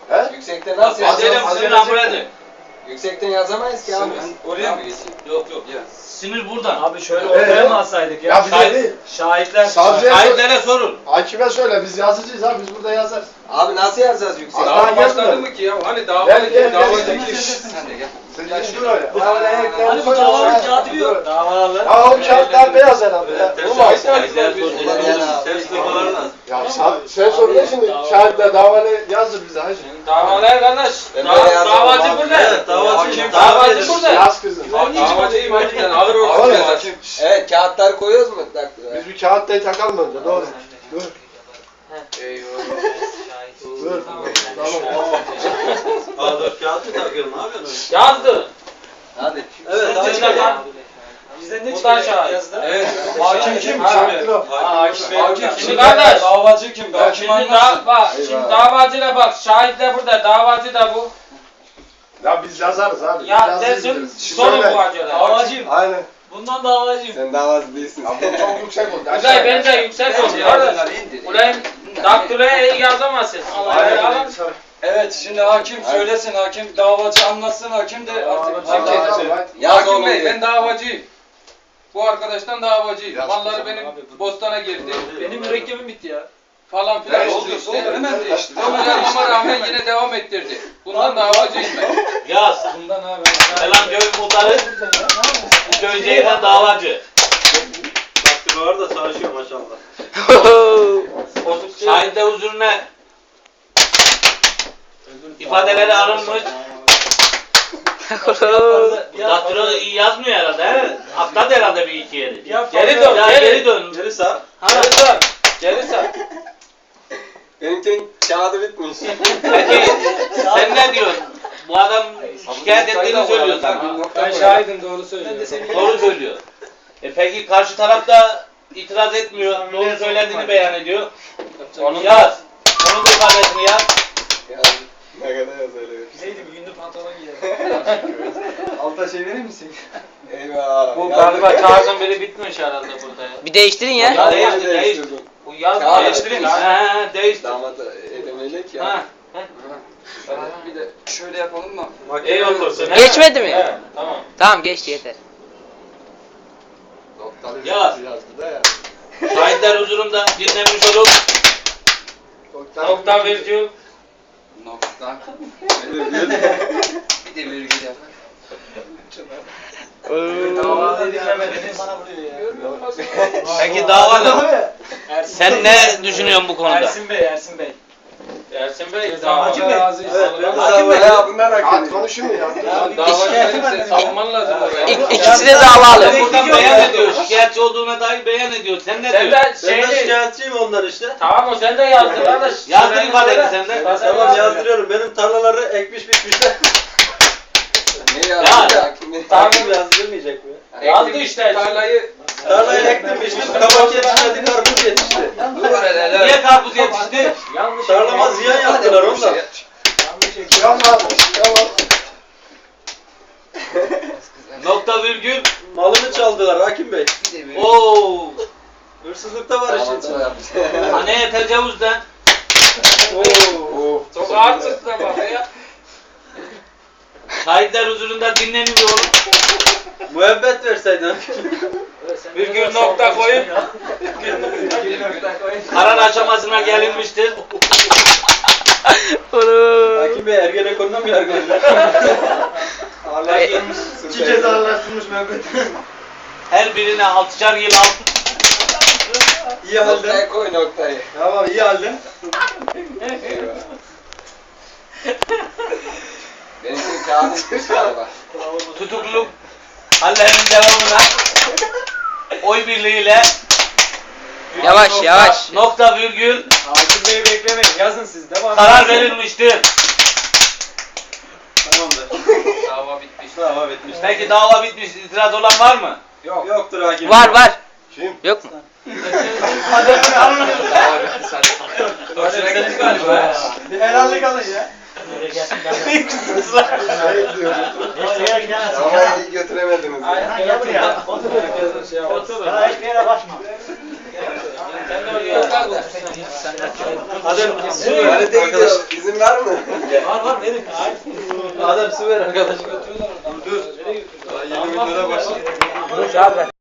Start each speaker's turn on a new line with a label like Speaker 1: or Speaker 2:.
Speaker 1: He?
Speaker 2: Yüksekte nasıl
Speaker 3: yazacağız?
Speaker 2: Yüksekten yazamayız ki abi.
Speaker 3: Oraya mı geçeyim? Yok.
Speaker 4: Sinir buradan.
Speaker 5: Abi şöyle ortaya mı alsaydık ya?
Speaker 1: Ya bize değil.
Speaker 5: Şahitler.
Speaker 4: Şahitlere sorun.
Speaker 1: Hakime söyle biz yazıcıyız abi biz burada yazarız.
Speaker 2: Abi nasıl yazacağız yüksek?
Speaker 1: Daha
Speaker 3: Daha başladı
Speaker 1: gelmiyor.
Speaker 3: mı ki ya? Hani
Speaker 1: Gel.
Speaker 3: davacı
Speaker 1: Sen gel dur öyle.
Speaker 5: Hani bu davanın katibi yok. Davalı.
Speaker 1: Ya o kağıtlar beyaz herhalde ya. Olmaz. Ya sen sorun şimdi şahitler davalı yazdır bize hacı.
Speaker 3: Davalar kardeş. Davacı burada. Evet, davacı burada.
Speaker 1: Yaz kızım.
Speaker 3: Davacıyım hakikaten ağır olsun
Speaker 1: Ağır
Speaker 3: ya.
Speaker 2: Evet kağıtları koyuyoruz mu?
Speaker 1: Biz bir kağıttayı takalım önce doğru. Dur. Dur. Tamam.
Speaker 6: A4 kağıt mı takıyorum? Ne yapıyorsun?
Speaker 3: Yazdı.
Speaker 2: Hadi.
Speaker 6: Evet,
Speaker 5: Bizden ne
Speaker 3: Bu da
Speaker 5: çıkıyor?
Speaker 3: şahit.
Speaker 5: Yazdı.
Speaker 3: Evet.
Speaker 5: Hakim kim?
Speaker 1: Şahitler o.
Speaker 5: Hakim Bey.
Speaker 3: Hakim
Speaker 5: Şimdi
Speaker 3: şimdi kardeş.
Speaker 5: Davacı kim? Hakim
Speaker 3: Şimdi davacıyla bak. Şahitler burada. Davacı da bu.
Speaker 1: Ya biz yazarız abi.
Speaker 3: Ya
Speaker 1: Yazıyız
Speaker 3: dersin
Speaker 1: biz.
Speaker 3: sorun
Speaker 1: Söyle.
Speaker 3: bu acaba.
Speaker 5: Davacıyım.
Speaker 1: Aynen.
Speaker 5: Bundan davacıyım.
Speaker 2: Sen davacı değilsin.
Speaker 1: Ya bu çok yüksek oldu.
Speaker 3: Uzay bence yüksek oldu. Ulan daktiloya yazamazsın.
Speaker 1: Aynen.
Speaker 5: Evet şimdi hakim söylesin, hakim davacı anlatsın, hakim de artık
Speaker 2: Yaz
Speaker 3: Hakim
Speaker 2: oğlum
Speaker 3: Bey
Speaker 2: diye.
Speaker 3: ben davacıyım. Bu arkadaştan davacıyım.
Speaker 1: Yaz
Speaker 3: Malları
Speaker 1: kızım
Speaker 3: benim
Speaker 5: abi, dur.
Speaker 3: bostana girdi.
Speaker 5: benim mürekkebim bitti ya.
Speaker 3: Falan filan
Speaker 1: Değişti,
Speaker 3: oldu işte.
Speaker 1: oldu, hemen değişti.
Speaker 3: Ama rağmen yine devam ettirdi. Bundan davacıyım ben.
Speaker 4: Yaz.
Speaker 5: Bundan abi.
Speaker 4: Selam köyün muhtarı. Köyceğine davacı.
Speaker 6: Baktım var da çalışıyor maşallah.
Speaker 4: Şahitler huzuruna ifadeleri alınmış. Daktilo iyi yazmıyor herhalde he? Atladı herhalde bir iki yeri.
Speaker 3: Geri dön,
Speaker 4: Ya geri dön.
Speaker 6: Geri sağ.
Speaker 3: Geri sar. Geri sar.
Speaker 2: Benimkinin kağıdı bitmiş.
Speaker 4: Peki sen ne diyorsun? Bu adam şikayet ettiğini söylüyor sana.
Speaker 3: Ben şahidim doğru söylüyor.
Speaker 4: Doğru söylüyor. Peki karşı taraf da itiraz etmiyor. Doğru söylediğini beyan ediyor. Onu yaz. Onun da ifadesini yaz.
Speaker 2: Ne kadar yazıyor.
Speaker 5: Neydi bir gündür pantolon giyelim. Alta şey verir misin?
Speaker 2: Eyvah.
Speaker 3: Bu galiba kağıdın biri bitmiş herhalde burada ya.
Speaker 7: Bir değiştirin ya.
Speaker 4: Ya değiştir.
Speaker 3: Bu yaz
Speaker 2: Kağıt
Speaker 3: değiştirin.
Speaker 4: He değiştir.
Speaker 2: Damat edemeyle ya.
Speaker 4: Ha.
Speaker 3: Bir de şöyle yapalım mı?
Speaker 4: İyi otursun. he?
Speaker 7: Geçmedi mi?
Speaker 3: Evet, tamam.
Speaker 7: Tamam geçti yeter.
Speaker 2: Doktor
Speaker 4: Yaz.
Speaker 2: yazdı da ya.
Speaker 4: Şahitler huzurunda dinlemiş olup
Speaker 3: Nokta virgül.
Speaker 2: Nokta. Bir de virgül yap.
Speaker 5: Davacı dinlemediniz. Bana vuruyor ya.
Speaker 4: Peki davalı. Sen ne düşünüyorsun bu konuda?
Speaker 5: Ersin Bey, Ersin Bey.
Speaker 3: Ersin Bey,
Speaker 5: Hakim
Speaker 3: davacı
Speaker 5: Bey.
Speaker 3: razı.
Speaker 2: Hakim Bey ya bunlar
Speaker 1: Kağıt
Speaker 2: hakim.
Speaker 1: konuşuyor ya.
Speaker 3: Davacı sen savunman lazım oraya.
Speaker 7: İkisi de davalı.
Speaker 4: Buradan beyan ediyor. Şikayetçi olduğuna dair beyan ediyor. Sen ne
Speaker 3: Sen
Speaker 4: diyorsun?
Speaker 3: de
Speaker 6: Ben de
Speaker 3: şeyli.
Speaker 6: şikayetçiyim ondan işte.
Speaker 3: Tamam o sen de yazdın kardeş.
Speaker 4: Yazdır ifadeni sen de.
Speaker 6: Tamam yazdırıyorum. Benim tarlaları ekmiş bitmişler.
Speaker 2: Ne yazdı
Speaker 4: Ya.
Speaker 2: hakim Bey?
Speaker 6: Takip yazdırmayacak mı?
Speaker 3: Yazdı işte tarlayı.
Speaker 6: Tarlayı ektim biçtim. Kabak yetişmedi, karpuz yetişti.
Speaker 4: Niye karpuz yetişti?
Speaker 3: Yanlış.
Speaker 6: Tarlama ziyan yaptılar ondan.
Speaker 1: Tamam. Tamam.
Speaker 4: Nokta virgül.
Speaker 6: Malımı çaldılar Hakim Bey.
Speaker 4: Oo.
Speaker 6: Hırsızlıkta var işin.
Speaker 4: Anneye tecavüzden.
Speaker 6: Oo.
Speaker 3: Çok ağır çıktı bak ya.
Speaker 4: Şahitler huzurunda dinleniyor olup
Speaker 6: Müebbet verseydin.
Speaker 4: virgül nokta koyup karar aşamasına gelinmiştir.
Speaker 6: Hakim Bey Ergenekon'da mı yargılanıyor? İki kez ağırlaştırmış müebbet.
Speaker 4: Her birine 6'şar yıl alt.
Speaker 6: İyi halde.
Speaker 2: Noktayı koy noktayı.
Speaker 6: Tamam iyi halde.
Speaker 2: Eyvah. Benimkinin kağıdı bitmiş galiba.
Speaker 4: Tutukluluk hallerinin devamına oy birliğiyle
Speaker 7: Yavaş yavaş.
Speaker 4: nokta virgül
Speaker 5: Hakim Bey'i beklemeyin. Yazın siz. Devam
Speaker 4: karar verilmiştir.
Speaker 6: Tamamdır.
Speaker 3: Dava bitmiş.
Speaker 6: Dava bitmiş.
Speaker 4: Peki dava bitmiş. İtiraz olan var mı?
Speaker 3: Yok.
Speaker 6: Yoktur Hakim
Speaker 7: Var
Speaker 6: Bey.
Speaker 7: var.
Speaker 1: Kim?
Speaker 7: Yok mu?
Speaker 3: Dava bitti sen. Hoşuna gitti galiba ya.
Speaker 5: Bir helallik alın ya.
Speaker 1: Şey diyorum.
Speaker 2: Ama iyi götüremediniz ya.
Speaker 5: Gel buraya.
Speaker 3: Herkesin şey yapalım.
Speaker 5: Otur. Daha hiçbir yere bakma.
Speaker 3: Sen de oraya.
Speaker 6: Hadi.
Speaker 2: Tuvalete gidiyor. İzin var mı?
Speaker 6: Var var verin. Adem su ver arkadaş.
Speaker 5: Götürüyorlar oradan.
Speaker 6: Dur. Daha 20 bin lira başladı.
Speaker 7: Bunu çağır ver.